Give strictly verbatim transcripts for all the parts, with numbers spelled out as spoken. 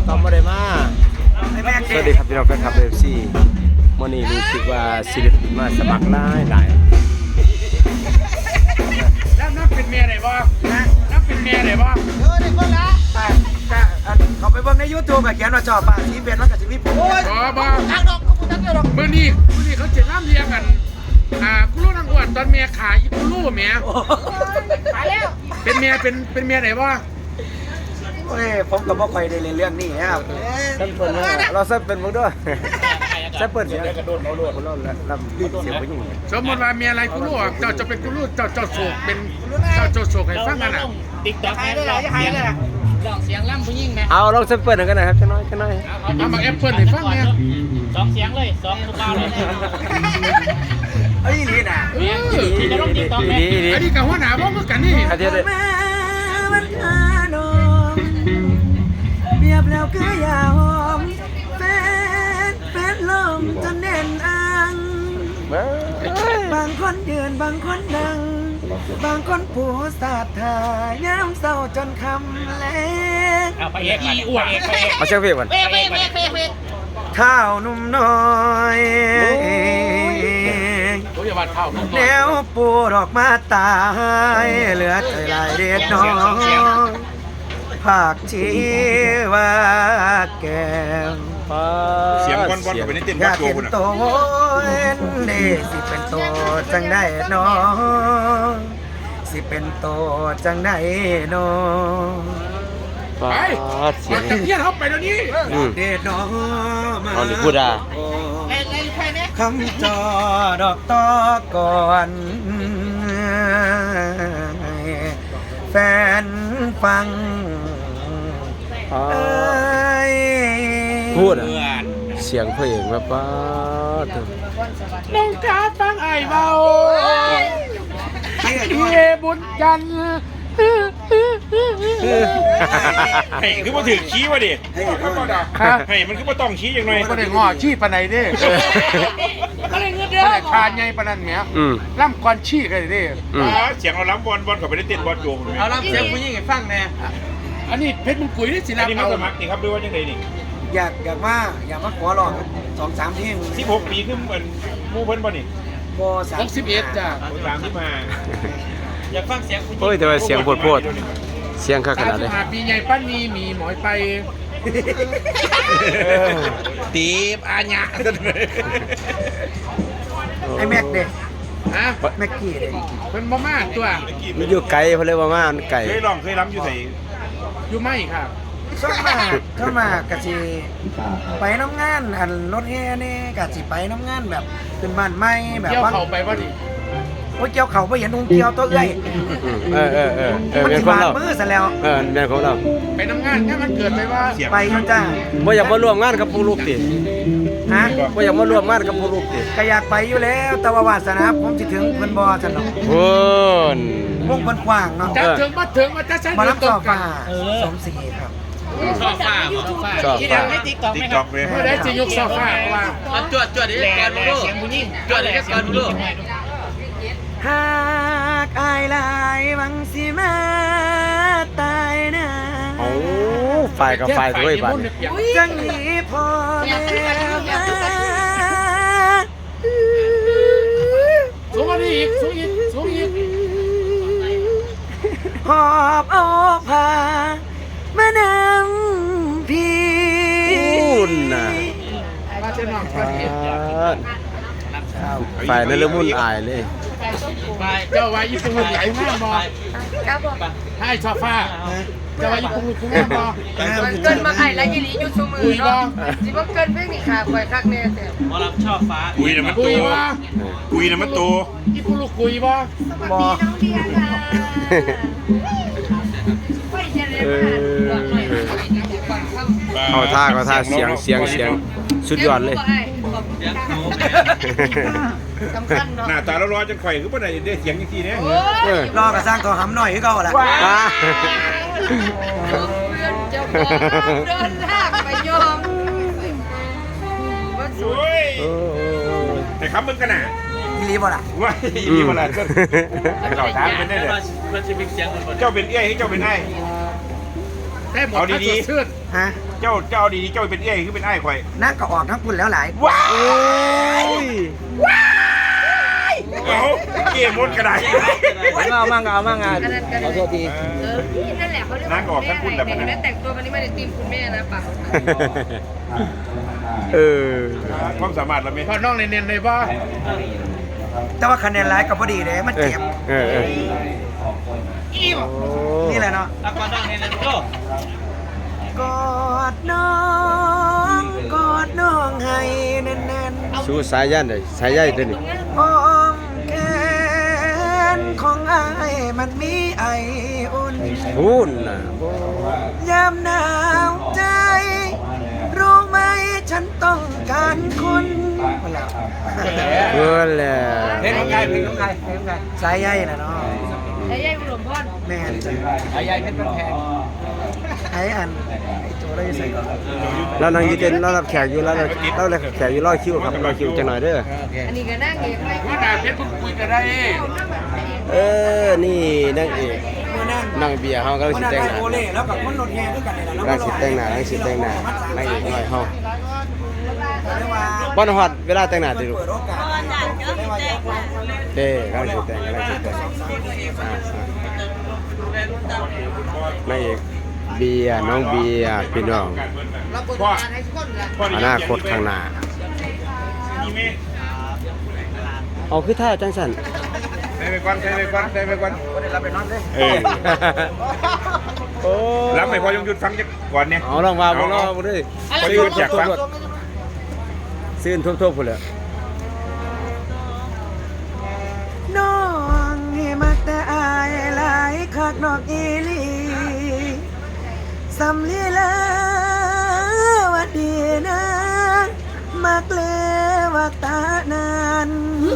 ตอมบ่ได้มาสวัสดีครับพี่น้องแฟนคลับ เอฟ ซี มื้อนี้รู้สึกว่าศิลปินมาสมัครหลายหลายแล้วนับเป็นเมียไหนบ้างนับเป็นเมียไหนบ้างเออเด็กคนละแต่แต่เขาไปเบิ่งใน ยูทูบ ก็เขียนว่าชอบป่าสีเป็นแล้วก็สิมีผมโอ้ยอ๋อบ้างทางดอกเขาพูดทางเดียวดอกมื้อนี้มื้อนี้เขาเจ็ดน้ำเลี้ยงกันอ่ากุลูนางอ้วนตอนเมียขายอีกุลูเมียขายแล้วเป็นเมียเป็นเป็นเมียไหนบ้างโอ้ยผมก็บ่ค่อยได้เล่นเรื่องนี้ครับซัมเปิลเราซัมเป็นมึงด้วยซัมเปิลเสียงกระโดดเราโดดเราลำรีบเสียงไปยิ่งสมมติว่าเมียอะไรกุลูเจ้าจะเป็นกุลูเจ้าเจ้าโศกเป็นเจ้าเจ้าโศกให้ฟังกันอ่ะติ๊กต็อกให้ลองเสียงลองเสียงล่ำผู้หญิงไหมเอาลองซัมเปิลกันนะครับจะน้อยจะน้อยเอามาแอปเปิลให้ฟังเนี่ยสองเสียงเลยสองทุกเก้าเลยเอ้ยนี่น่ะที่จะลงติ๊กต็อกไหมอันนี้กับหัวหน้าบอกกันนี่อาทิตย์มันขานมเบียบแล้วก็อย่าหอมแฟนแฟนลมจนแน่นอังบางคนยืนบางคนนั่งบางคนผู้สาดทายามเศร้าจนคำแลงเอาไปเอกอีอ้วนเอาเชียงเพลงก่อนเอกเอกเอกเอกเท้านุ่มน้อยแนวปูดอกมาตายเหลือใจลายเด็ดน้องภาคชีว่าแก้มเสียงบอลบอลไปในเต้นบอลโจคุณอ่ะโตเอ็นเดสิเป็นโตจังได้น้องสิเป็นโตจังได้น้องไปเสียงเพี้ยนเข้าไปเดี๋ยวนี้เด็ดน้องมาเอาหรือพูดอ่ะคำจอดอกตอก่อนแฟนฟังพูดอ่ะเสียงเพลงแบบว่าน้องกาฟังไอ้เบาเยบุญจันทร์ให้คือมาถือขี้วะดิให้มันคือมาต้องขี้อย่างไรก็ได้งอชี้ปานไหนดิก็ได้เงินเดือนทานไงปานนั้นเนี้ยล่ำก่อนชี้กันดิเสียงเอาล้ำบอลบอลกับไปในเต้นบอลโจมเอาล้ำเสียงผู้หญิงให้ฟังแน่อันนี้เพชรมึงกุยนี่สิลาอันนี้มาสมัครนี่ครับด้วยว่าจังไงนี่อยากอยากว่าอยากมาขอลองสองสามเพลงสิบหกปีขึ้นเหมือนมูเพิ่นบ่นี่บ่สามสิบเอ็ดจ้ะสามที่มาอยากฟังเสียงผู้หญิงโอ้ยแต่ว่าเสียงโพดเสียงข้าขนาดเลยปีใหญ่ปั้นนี้มีหมอยไปตีบอาญะไอ้แม็กเด็กฮะแม็กกี้เด็กเป็นบ่มาตัวมันอยู่ไกลเพราะเลยว่ามามันไกลเคยลองเคยล้ำอยู่ไหนอยู่ไม่ครับส่วนมากส่วนมากกะสิไปน้ำงานอันรถแห่นี่กะสิไปน้ำงานแบบเป็นบ้านใหม่แบบเกี่ยวเขาไปบ่ดิโอ้ยเกี่ยวเขาไปเห็นองเกี่ยวตัวเอ้ยเออเออเออมันสิบาดมือซะแล้วเออเป็นของเราไปน้ำงานแค่มันเกิดไปว่าไปเขาจ้าบ่อยากมาร่วมงานกับผู้ลูกติฮะบ่อยากมาร่วมงานกับผู้ลูกติก็อยากไปอยู่แล้วแต่ว่าวาสนาผมสิถึงเพิ่นบ่ซั่นเนาะโอ้นวงเพิ่นกว้างเนาะจะถึงมาถึงมาจะใช้มารับต่อฟ้าสมศรีครับชอบฟ้าชอบฟ้าไม่ติ๊กต็อกไหมครับไม่ได้จะยกโซฟาว่าจวดจวดดิก่อนลูกเสียงผู้หญิงจวดดิก่อนลูกหากอายลายวังสิมาตายนะโอ้ฝ่ายกับฝ่ายด้วยบัดจังนี้พอแล้วนะสูงกว่านี้อีกสูงอีกสูงอีกหอบเอาผ้ามานำพี่อุ่นน่ะฝ่ายนั่นเรื่องมุ่นอายเลยเจ้าว่าญี่ปุ่นใหญ่มากบอให้ชอบฟ้าเจ้าว่าญี่ปุ่นคุ้มมากบอเกินมาไอ้และยี่หลีอยู่ชูมือเนาะสิว่าเกินเพิ่งนี่ค่ะคอยคักแน่แต่หมอลำชอบฟ้ากุยน่ะมันโตกุยน่ะมันโตญี่ปุ่นลูกกุยบอสวัสดีน้องเดียค่ะไม่เจริญเขาท่าเขาท่าเสียงเสียงเสียงสุดยอดเลยหน้าตาเราร้อนจนไข่คือปะไหนได้เสียงอย่างทีเนี้ยรอกระสร้างตัวหำหน่อยก็เอาละเพื่อนจะบอกเดินทางไปยอมแต่คำมึงกันน่ะอีลีบ่ล่ะว่าอีลีบ่ล่ะก็เราถามเป็นได้เลยเจ้าเป็นเอ้ยให้เจ้าเป็นไอ้ได้หมดถ้าสดชื่นฮะเจ้าเจ้าดีๆเจ้าเป็นเอ้ยคือเป็นไอ้ข่อยนั่งก็ออกทั้งคุณแล้วหลายว้าโอ้ยเอาเกมมดกระดาษเอามั่งเอามั่งงานขอโทษทีเออพี่นั่นแหละเขาเรียกว่าคุณแม่อะไรแต่เห็นไหมแต่งตัววันนี้ไม่ได้ตีมคุณแม่นะป่ะเออความสามารถเราไม่พอน้องเนียนๆเลยป่ะแต่ว่าคะแนนร้ายกับพอดีเลยมันเออเจ็บเออเออนี่แหละเนาะแล้วก็ต้องเน้นๆก็กอดน้องกอดน้องให้แน่นๆสู้สายยันเลยสายใยตัวนี้อ้อมแขนของอายมันมีไออุ่นพูนน่ะยามหนาวใจ รู้ไหมฉันต้องการคุณเพื่อนแหละเพลงของใครเพลงของใครเพลงของใครสายใยน่ะเนาะไอ้ยัยบุญหลวงพ่อแม่นจ้ะไอ้ยัยเพชรบ้านแพงไอ้อันไอ้โจได้ใส่ก่อนแล้วนางอยืนเต้นแล้วรับแขกอยู่แล้วเราเราเลยแขกอยู่รอคิวครับรอคิวจังหน่อยเด้ออันนี้ก็นั่งเองไม่ว่าดาเพชรเพิ่งคุยกันได้เออนี่นางเอกมื้อนั้นนางเบียร์เฮาก็เลยมื้สิอนั้นแต่งไอ้หน้าโอเล่แล้วกับคนรถแห่ด้วยกันนี่แหละนางสิแต่งหน้านางสิแต่งหน้านางเอกหน่อยเฮาเรียกว่าบ่ฮอดเวลาแต่งหน้าติลูกเปิดโอกาสเรียกว่าอยากว่าเด้กำลังสิแต่งกำลังสิแต่งอ่าอ่านางเอกเบียร์น้องเบียร์พี่น้องเราบริการให้ทุกคนเลยอนาคตข้างหน้ามีไหมเอาคือท่าจังซั่นใส่ไปก่อนใส่ไปก่อนใส่ไปก่อนบ่ได้รับไปนอนเลยเออโอ้รับไปพอยงหยุดฟังจักก่อนเนี่ยเอาลองว่าบ่ลองบ่ได้พอหยุดอยากฟังซื่นทั่วๆพุ่นแหละน้องนี่มักแต่อายหลายคักนอกอีหลีสำลีลาว่าดีนะมักเลว่าตานาน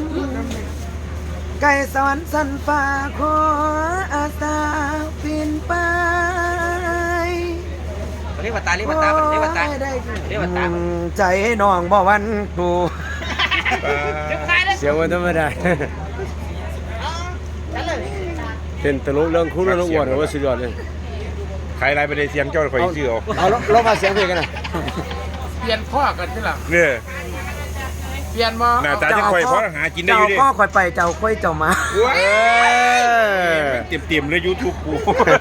ไก่สวรรค์สันฟ้าขออาสาปีนไปเรียกว่าตาเรียกว่าตาเรียกว่าตาเรียกว่าตาใจน้องบ่วันกูเสียงมันธรรมดาเป็นตลกเรื่องคู่เรื่องอ้วนว่าสุดยอดเลยใครไล่ไปได้เสียงเจ้าข่อยชื่อเอาเอาลองมาเสียงเพลงกันนะเปลี่ยนข้อกันใช่หรอเนี่ยเปลี่ยนมาหน้าตาจะข่อยเพราะหากินได้อยู่ดิเจ้าก็คอยไปเจ้าค่อยเจ้ามาว้าเออเต็มเต็มๆเลย YouTube กู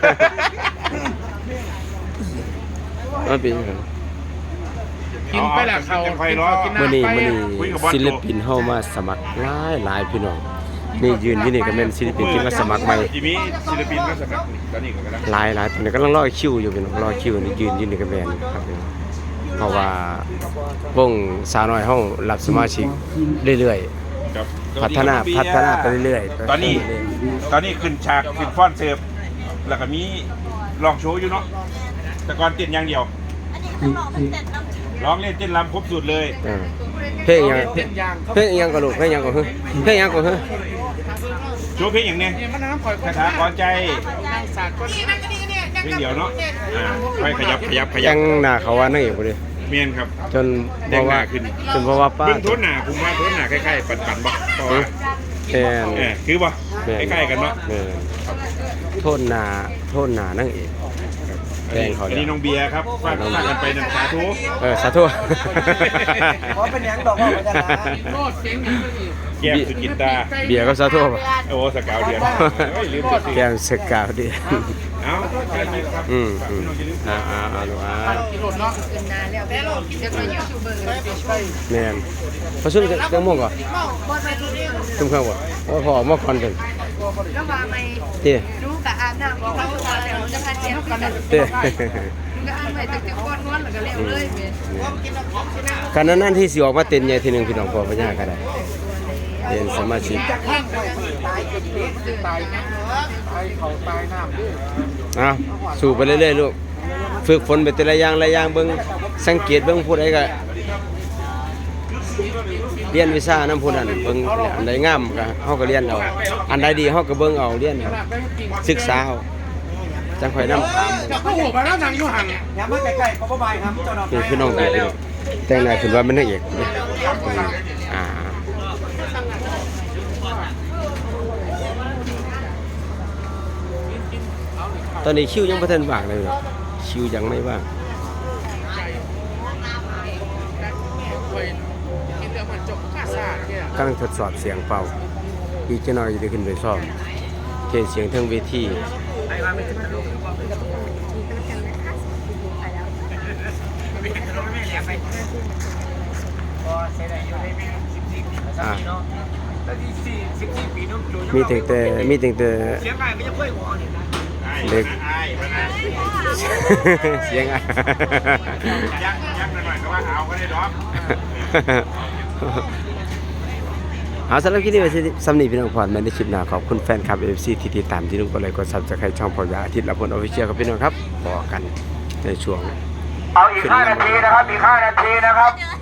มันเป็นกินไปละเขาไฟร้อกินมื้อน้ำนี้ไปมื้อนี้ศิลปินเฮามาสมัครหลายหลายพี่น้องนี่ยืนอยู่นี่ก็เป็นศิลปินที่มาสมัครใหม่ทีนี้ศิลปินก็สมัครตอนนี้ก็กำลังหลายหลายตอนนี้กำลังรอคิวอยู่พี่น้องรอคิวนี่ยืนอยู่นี่ก็แม่นครับพี่น้องเพราะว่าวงสาวน้อยเฮารับสมาชิกเรื่อยครับๆพัฒนาพัฒนาไปเรื่อยๆตอนนี้ตอนนี้ขึ้นฉากขึ้นฟ้อนเสิร์ฟแล้วก็มีลองโชว์อยู่เนาะแต่ก่อนเต้นอย่างเดียวร้องเล่นเต้นรำครบสูตรเลยเออเพลงยังเต้นยางเพลงยังก็ลูกเพลงยังก็เฮ้ยเพลงยังก็เฮ้ยโชว์เพลงอย่างเนี้ยเนี่ยมันน้ำข่อยคาถาก่อนใจนางสากก็เพลงเดียวเนาะอ่าค่อยขยับขยับขยัยับงหน้าเขาว่านั่งอยู่บ่ดิเมียนครับจนแดเพงราะหว่าน้าขึ้นจนเพราะว่าป้าเบิ่งโทนหน้าผมว่าโทนหน้าคล้ายๆปั่นๆบ่เพราะว่าแม่นเออคือบ่คล้ายๆกันเนาะแม่นโทษหน้าโทษหน้านั่งเอกแดงเขาอันเดีนี้ยวน้องเบียร์ครับฝากฝากกันไปนันสาธุเออสาธุเพราะเป็นหยังดอกว่าจะลาโลดเสียงอย่างนี้แก้มสุกินตาเบียร์ก็สาธุป่ะโอ้สกาวเดือนเฮ้ยลืมจะซื้อแก้มสกาวดีเอาใช่ไหมครับอืมอืมอ่าอ่าอ่าลูกอ่ากิโลเนาะเกินนานแล้วแล้วจะเป็นยูทูบเบอร์ไปช่วยแม่นพอซุ่มจังม่วงก่อนบอลไปทุกเรื่องซุ่มข้าวบ่โอ้พอมาก่อนเพิ่นแล้วมาไม่เต้รู้กับอาบน้ำบอกเขาว่าแต่เราจะพาเจ็บกันเต้ก็อ่านไปตั้งแต่ก้อนนวลแล้วก็เร็วเลยเว้ยคันนั้นที่สิออกมาเต้นใหญ่ทีหนึงพี่น้องพอพญาก็ได้เป็นสมาชิกข้างไปตายเป็นเด็กตายนะตายเขาตายน้ำด้วยอ่ะสู้ไปเรื่อยๆลูกฝึกฝนไปแต่ละอย่างละอย่างเบิ่งสังเกตเบิ่งผู้ใดก็เรียนวิชานำผู้นั้นเบิ่งอันใดงามก็เฮาก็เรียนเอาอันใดดีเฮาก็เบิ่งเอาเรียนเอาศึกษาเอาจังค่อยนำตามจะเข้าหัวไปแล้วนางอยู่ห่างอย่ามาใกล้ๆเพราะบ่บายครับเจ้าดอกนี่พี่น้องเด็กพี่น้องแต่งหน้าขึ้นว่ามันนางเอกนี่อ่าตอนนี้คิวยังบ่ทันว่างเลยเนาะคชิวยังไม่ว่างเคยกินเรื่องมันจบข้าซาเนี่ยกำลังทดสอบเสียงเป่าอีกจะน้อยจะได้ขึ้นไปซ่อมเทสเสียงเทั้งเวทีอ่ะมีแต่แต่มีแต่แต่เสียงไงไม่จะค่อยหัวนี่นะเล็กไอ้มานะเสียงอ่ะยักยักหน่อยๆก็ว่าเอาก็ได้ดอกเอาสำหรับคลิปนี้ไว้สำนีพี่น้องพรแม่ในคลิปหน้าขอบคุณแฟนคลับ เอฟ ซี ที่ติดตามที่นุ่งกดไลค์กดซับสไครต์ช่องพอยาอาทิตย์ละพลออฟฟิเชียลครับพี่น้องครับบอกกันในช่วงเอาอีกห้านาทีนะครับ อีกห้านาทีนะครับ